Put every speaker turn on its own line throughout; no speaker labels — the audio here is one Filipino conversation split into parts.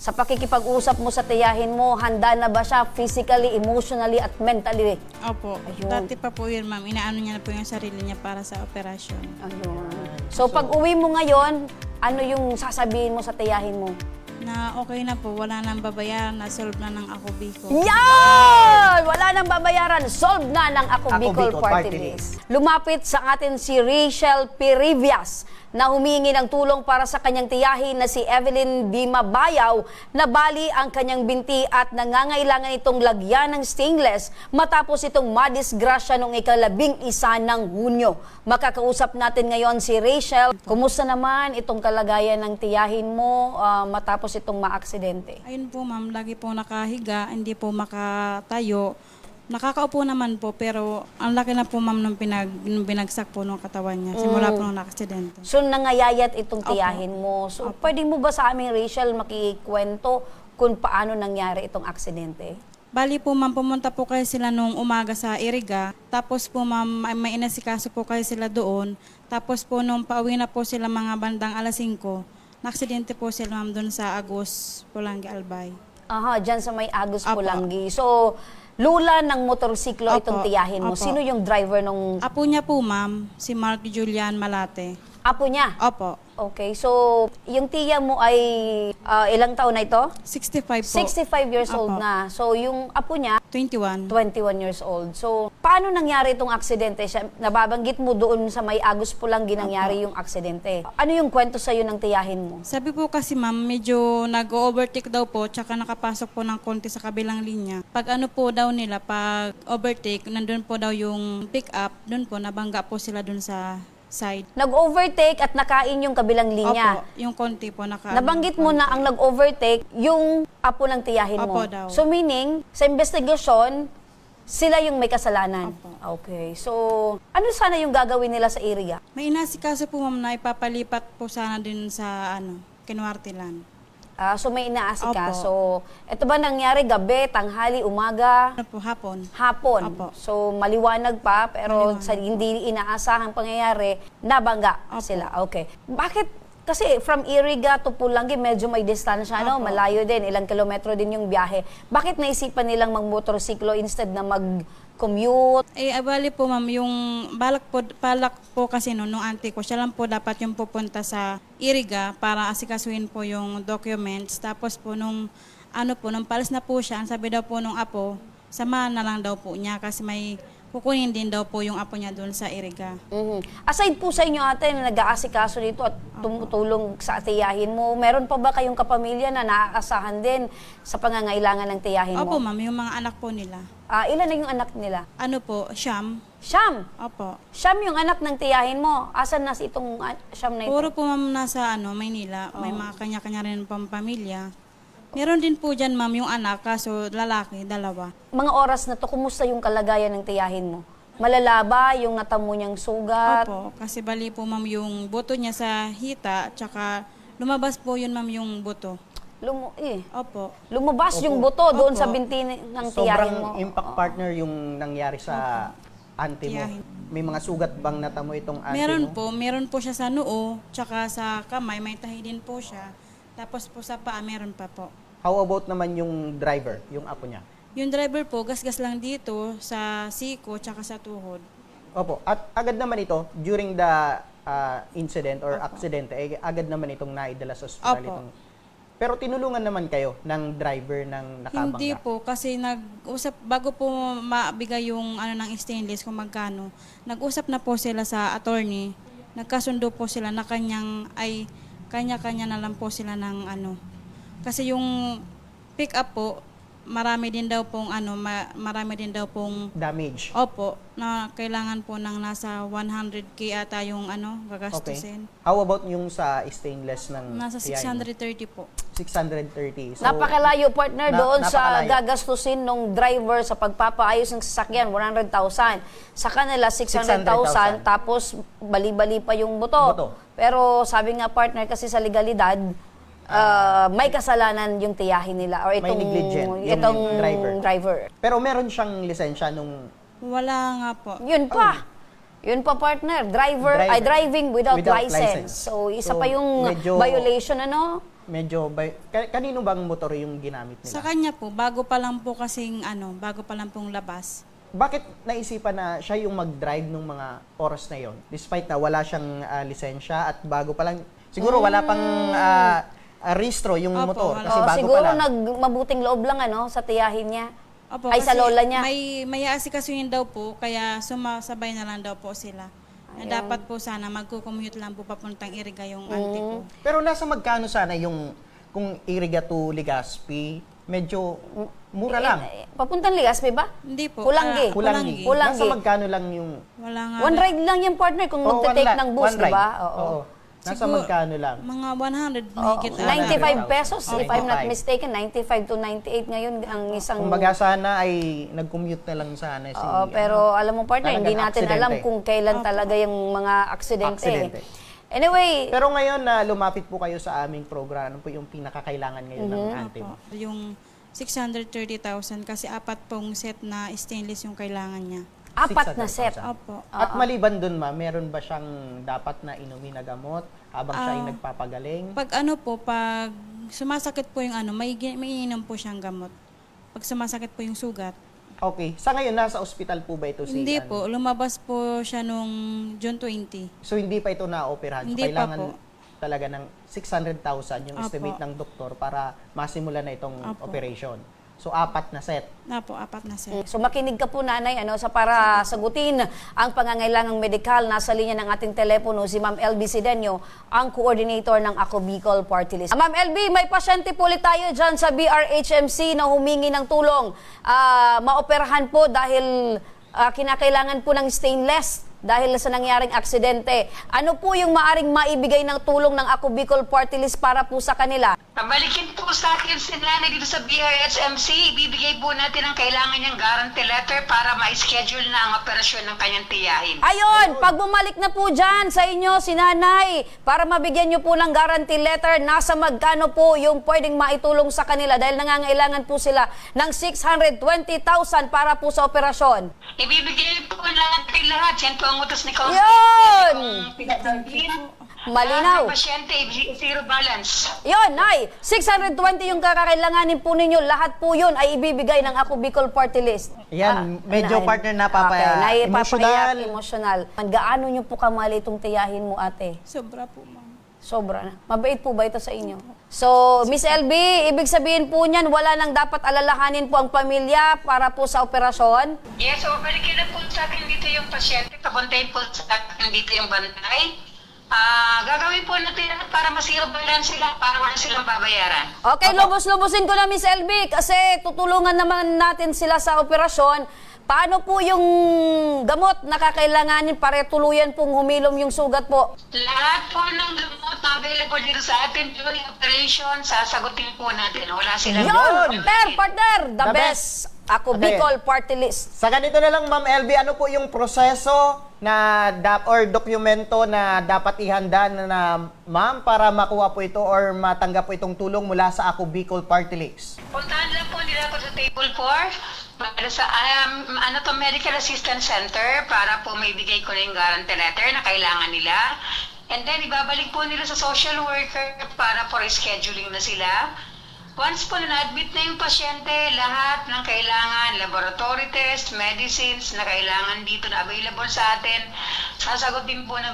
Sa pakikipag-usap mo sa tiyahin mo, handa na ba siya physically, emotionally, at mentally?
Opo.
Ayun.
Dati pa po yun, ma'am. Inaano niya na po yung sarili niya para sa operasyon.
Ayun. So, pag uwi mo ngayon, ano yung sasabihin mo sa tiyahin mo?
Na okay na po, wala nang babayaran, na-solve na ng Ako Bicol.
Yan! Wala nang babayaran. Solve na ng Ako
Ako
Bicol
Bicol
Party
Party
List. Lumapit sa atin si Rachel Perivias na humingi ng tulong para sa kanyang tiyahin na si Evelyn Dima Bayaw na bali ang kanyang binti at nangangailangan itong lagyan ng stainless matapos itong madisgrasya noong ika-11 ng Hunyo. Makakausap natin ngayon si Rachel. Kumusta naman itong kalagayan ng tiyahin mo matapos itong maaksidente?
Ayun po, ma'am, lagi po nakahiga, hindi po makatayo. Nakakaupo naman po, pero ang laki na po, ma'am, nung binagsak po nung katawan niya. Simula po nung nakaksidente.
So, nangayayat itong
Opo.
tiyahin mo. So, pwede mo ba sa aming Rachel makikwento kung paano nangyari itong aksidente?
Bali po, ma'am, pumunta po kayo sila nung umaga sa Iriga. Tapos po, ma'am, may inasikaso po kayo sila doon. Tapos po, nung pauwi na po sila mga bandang alas 5, nakaksidente po sila, ma'am, doon sa Agos, Pulangi, Albay.
Aha, dyan sa may Agos
Opo.
Pulangi. So, lula ng motorsiklo
Opo.
itong tiyahin mo.
Opo.
Sino yung driver nung
Apo niya po, ma'am, si Mark Julian Malate.
apo niya?
Opo,
Okay, so yung tiya mo ay ilang taon na ito?
65 po.
65 years old
Opo.
na. So, yung apo niya,
21.
21 years old. So, paano nangyari itong aksidente? Siya, nababanggit mo doon sa may Agos Pulangi nangyari yung aksidente. Ano yung kwento sa'yo ng tiyahin mo?
Sabi po kasi, ma'am, medyo nag-overtake daw po, tsaka nakapasok po ng konti sa kabilang linya. Pag ano po daw nila, pag overtake, nandun po daw yung pick up, dun po, nabangga po sila dun sa side.
Nag-overtake at nakain yung kabilang linya.
Opo, yung konti po
Nabanggit mo na ang nag-overtake yung apo ng tiyahin mo.
Opo daw.
So meaning, sa investigasyon, sila yung may kasalanan.
Opo.
Okay. So, ano sana yung gagawin nila sa area?
May inasikaso po, ma'am, na ipapalipat po sana din sa, Kinwartilan.
So may inaasikaso. Ito ba nangyari gabi, tanghali, umaga?
Ano po, hapon.
Hapon.
Opo.
So maliwanag pa, pero
Maliwanag.
sa hindi inaasahang pangyayari, nabangga
Opo.
sila. Okay. Bakit? Kasi from Iriga to Pulangi, medyo may distansya, no?
Opo.
Malayo din, ilang kilometro din yung biyahe. Bakit naisipan nilang magmotorsiklo instead na mag-commute?
Bali po, ma'am, yung balak po kasi nung auntie ko, siya lang po dapat yung pupunta sa Iriga para asikasuhin po yung documents. Tapos po nung palis na po siya, ang sabi daw po nung apo, samahan na lang daw po niya kasi may kukunin din daw po yung apo niya doon sa Iriga.
Mhm. Aside po sa inyo ate na nag-aasikaso dito at tumutulong sa tiyahin mo, meron pa ba kayong kapamilya na naaasahan din sa pangangailangan ng tiyahin
Opo,
mo?
ma'am, yung mga anak po nila.
Ilan na yung anak nila?
Ano po, Siam?
Siyam!
Opo.
Siyam yung anak ng tiyahin mo. Asan na si itong Siyam na ito?
Puro po, ma'am, nasa Maynila. May mga kanya-kanya rin pang pamilya. Meron din po dyan, ma'am, yung anak, kaso lalaki, 2.
Mga oras na to, kumusta yung kalagayan ng tiyahin mo? Malalaba yung natamo niyang sugat?
Opo, kasi bali po, ma'am, yung buto niya sa hita, tsaka lumabas po yun, ma'am, yung buto.
Lumabas
Opo.
yung buto doon
Opo.
sa binti ng tiyahin mo.
Sobrang impact partner yung nangyari sa auntie mo.
Tiyahin.
May mga sugat bang natamo itong auntie mo?
Meron po siya sa noo, tsaka sa kamay, may tahi din po siya. Tapos po sa paa, meron pa po.
How about naman yung driver, yung apo niya?
Yung driver po, gasgas lang dito sa siko, tsaka sa tuhod.
Opo. At agad naman ito, during the incident or accident, agad naman itong naidala sa ospital
Opo.
itong... Pero tinulungan naman kayo ng driver ng nakabangga?
Hindi po, kasi nag-usap, bago po mabigay yung ng stainless kung magkano, nag-usap na po sila sa attorney, nagkasundo po sila na kanya-kanya na lang po sila ng Kasi yung pick up po, marami din daw pong
Damage.
opo, na kailangan po ng nasa 100K ata yung gagastusin.
How about yung sa stainless ng
Nasa
tiyahin mo?
630 po.
630. So,
Napakalayo partner doon sa
napakalayo.
gagastusin ng driver sa pagpapaayos ng sasakyan, 100,000. Sa kanila, 600,000,
600,000.
tapos bali-bali pa yung buto.
Buto.
Pero sabi nga partner, kasi sa legalidad, may kasalanan yung tiyahin nila or
May negligent yung
itong
driver.
driver.
Pero meron siyang lisensya nung...
Wala nga po.
Yun pa. Yun pa partner, driving without license. So isa pa yung
medyo-
violation ano?
Medyo, kanino bang motor yung ginamit nila?
Sa kanya po, bago pa lang pong labas.
Bakit naisipan na siya yung mag-drive nung mga oras na yon? Despite na wala siyang lisensya at bago pa lang, siguro wala pang rehistro yung
Opo,
motor
wala.
kasi bago
Siguro
pa lang.
nagmabuting loob lang ano sa tiyahin niya.
Opo,
Ay, sa
kasi
lola niya.
May aasikasuhin daw po, kaya sumasabay na lang daw po sila. Na dapat po sana magko-commute lang po papuntang Iriga yung auntie ko.
Pero nasa magkano sana yung kung Iriga to Legazpi, medyo mura lang.
Papuntang Legazpi ba?
Hindi po.
Kulanggi.
Kulangi.
Kulangi.
Nasa magkano lang yung
Wala nga.
One ride lang yung partner kung magte-take ng bus,
one
di
ride.
ba? Oo.
Nasa
Siguro,
magkano lang?
Mga 100
Oo,
mahigit.
95 pesos, if I'm not
95.
mistaken. 95 to 98 ngayon ang isang...
Kumbaga sana ay nag-commute na lang sana si...
Oo, pero alam mo partner,
talagang
hindi natin
aksidente.
alam kung kailan talaga yung mga aksidente.
Aksidente.
Anyway,
Pero ngayon na lumapit po kayo sa aming program, ano po yung pinakakailangan ngayon ng auntie mo?
Yung 630,000 kasi apat pong set na stainless yung kailangan niya.
4 na set.
600,000.
Opo.
At maliban dun ma, meron ba siyang dapat na inumin na gamot habang siya ay nagpapagaling?
Pag sumasakit po yung may iniinom po siyang gamot. Pag sumasakit po yung sugat.
Okay. Sa ngayon, nasa ospital po ba ito si...
Hindi po, lumabas po siya nung June 20.
So, hindi pa ito na-operahan. So,
Hindi pa
kailangan
po.
talaga ng 600,000 yung
Opo.
estimate ng doktor para masimula na itong
Opo.
operation. So, 4 na set.
Apat na set.
So makinig ka po nanay sa para sagutin ang pangangailangang medikal. Nasa linya ng ating telepono si Ma'am LB Sidenio, ang coordinator ng Ako Bicol Party List. Ma'am LB, may pasyente po ulit tayo dyan sa BRHMC na humingi ng tulong. Maoperahan po dahil kinakailangan po ng stainless dahil sa nangyaring aksidente. Ano po yung maaring maibigay ng tulong ng Ako Bicol Party List para po sa kanila?
Pabalikin po sa akin si nanay dito sa BRHMC. Ibibigay po natin ang kailangan niyang guarantee letter para ma-schedule na ang operasyon ng kanyang tiyahin.
Ayun, pag bumalik na po dyan sa inyo si nanay, para mabigyan nyo po ng guarantee letter, nasa magkano po yung pwedeng maitulong sa kanila dahil nangangailangan po sila ng 620,000 para po sa operasyon.
Ibibigay po natin lahat. Yan po ang utos ni Kausap.
Yun!
Pinatangkin.
Malinaw.
Ang pasyente, zero balance.
Yun, Nay, 620 yung kakailanganin po ninyo. Lahat po yun ay ibibigay ng Ako Bicol Party List.
Yan, medyo partner
emotional.
emotional.
Gaano nyo po kamali itong tiyahin mo, ate?
Sobra po, ma'am.
Sobra na. Mabait po ba ito sa inyo? So, Miss LB, ibig sabihin po niyan, wala nang dapat alalahanin po ang pamilya para po sa operasyon?
Yes, so balikin na po sa akin dito yung pasyente. Papuntahin po sa akin dito yung bantay. Gagawin po natin lahat para ma-zero balance sila, para wala silang babayaran.
Okay, lubos-lubosin ko na, Miss LB, kasi tutulungan naman natin sila sa operasyon. Paano po yung gamot na kakailanganin para tuluyan pong humilom yung sugat po?
Lahat po ng gamot na available dito sa atin during operation, sasagutin po natin. Wala silang
Yun! Partner! The
The
best! Ako
Okay.
Bicol Party List.
Sa ganito na lang, Ma'am LB, ano po yung proseso na or dokumento na dapat ihanda na ma'am para makuha po ito or matanggap po itong tulong mula sa Ako Bicol Party List?
Puntahan lang po nila ako sa table 4 para sa Medical Assistance Center para po may bigay ko na yung guarantee letter na kailangan nila. And then, ibabalik po nila sa social worker para for scheduling na sila. Once po na-admit na yung pasyente, lahat ng kailangan, laboratory test, medicines na kailangan dito na available sa atin, sasagutin po ng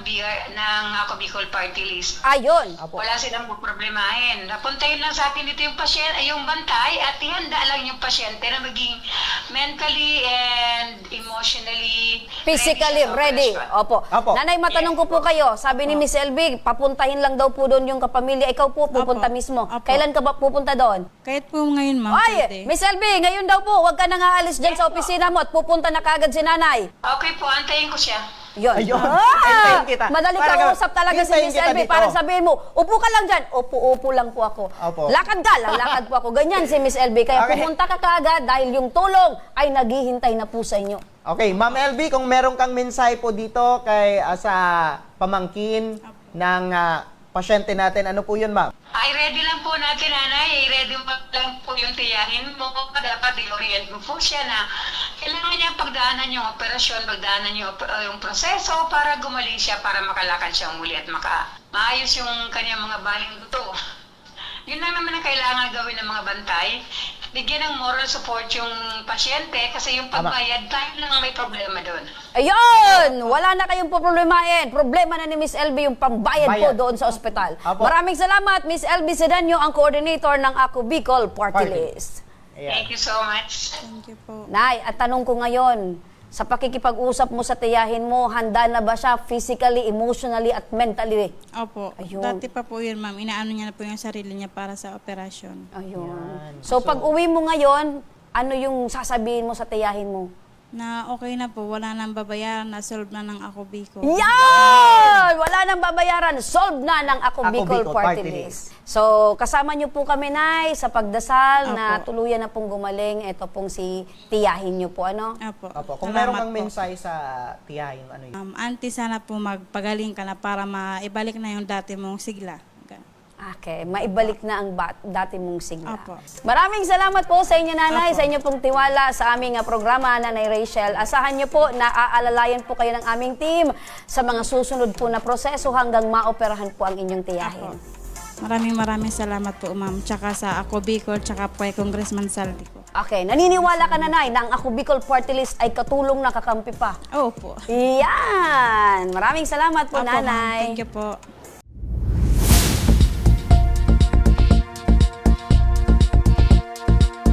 Ako Bicol Party List.
Ayun!
Wala silang problemahin. Napuntahin lang sa atin dito yung pasyente, yung bantay at ihanda lang yung pasyente na maging mentally and emotionally
Physically
sa
ready.
operasyon.
Opo.
Opo.
Nanay, matanong ko po kayo. Sabi ni Miss LB, papuntahin lang daw po doon yung kapamilya. Ikaw po pupunta
Opo.
mismo.
Opo.
Kailan ka ba pupunta doon?
Kahit po ngayon, ma'am,
Ay,
pwede.
Miss LB, ngayon daw po, huwag ka nang aalis dyan sa opisina mo at pupunta na kagad si nanay.
Okay po, antayin ko siya.
Yun.
Ayun. Hintayin kita.
Madali
Para
kausap talaga si
hintayin
Miss
kita
LB.
dito.
Parang sabihin mo, upo ka lang dyan. Upo lang po ako.
Opo.
Lakad ka, lalakad po ako. Ganyan si Miss LB. Kaya
Okay.
pumunta ka kagad dahil yung tulong ay naghihintay na po sa inyo.
Okay, Ma'am LB, kung meron kang mensahe po dito kay sa pamangkin ng pasyente natin. Ano po yun, ma'am?
Ay, ready lang po natin, nanay. Ready mo lang po yung tiyahin mo. Dapat i-orient mo po siya na kailangan niya pagdaanan yung operasyon, pagdaanan yung proseso para gumaling siya, para makalakad siya muli at maayos yung kanyang mga baling duto. Yun lang naman ang kailangan gawin ng mga bantay. Bigyan ng moral support yung pasyente kasi yung pagbayad, tayo lang may problema doon.
Ayun! Wala na kayong poproblemahin. Problema na ni Miss LB yung pambayad po
Bayad.
doon sa ospital.
Apo.
Maraming salamat, Miss LB Sedanyo, ang coordinator ng Ako Bicol Party
Party.
List.
Ayan.
Thank you so much.
Thank you po.
Nay, at tanong ko ngayon, sa pakikipag-usap mo sa tiyahin mo, handa na ba siya physically, emotionally, at mentally?
Opo.
Ayun.
Dati pa po yun, ma'am. Inaano niya na po yung sarili niya para sa operasyon.
Ayun.
Yan.
So, pag uwi mo ngayon, ano yung sasabihin mo sa tiyahin mo?
Na okay na po, wala nang babayaran, na-solve na ng Ako Bicol.
Yan! Wala nang babayaran. Solve na ng Ako
Ako
Bicol
Bicol
Party
Party
List. So, kasama niyo po kami, Nay, sa pagdasal na
Apo.
tuluyan na pong gumaling. Ito pong si tiyahin niyo po, ano?
Opo.
Opo. Kung
Salamat
meron kang
po.
mensahe sa tiyahin, ano yun?
Auntie, sana po magpagaling ka na para maibalik na yung dati mong sigla.
Okay, maibalik na ang dati mong sigla.
Apo.
Maraming salamat po sa inyo, Nanay, sa inyo pong tiwala sa aming programa, Nanay Rachel. Asahan niyo po na aalalayan po kayo ng aming team sa mga susunod po na proseso hanggang maoperahan po ang inyong tiyahin.
Maraming salamat po, ma'am. Tsaka sa Ako Bicol, tsaka po kay Congressman Saldi po.
Okay, naniniwala ka, Nanay, na ang Ako Bicol Party List ay katulong na kakampi pa.
Opo.
Yan! Maraming salamat po,
Opo, ma'am.
Nanay.
Thank you po.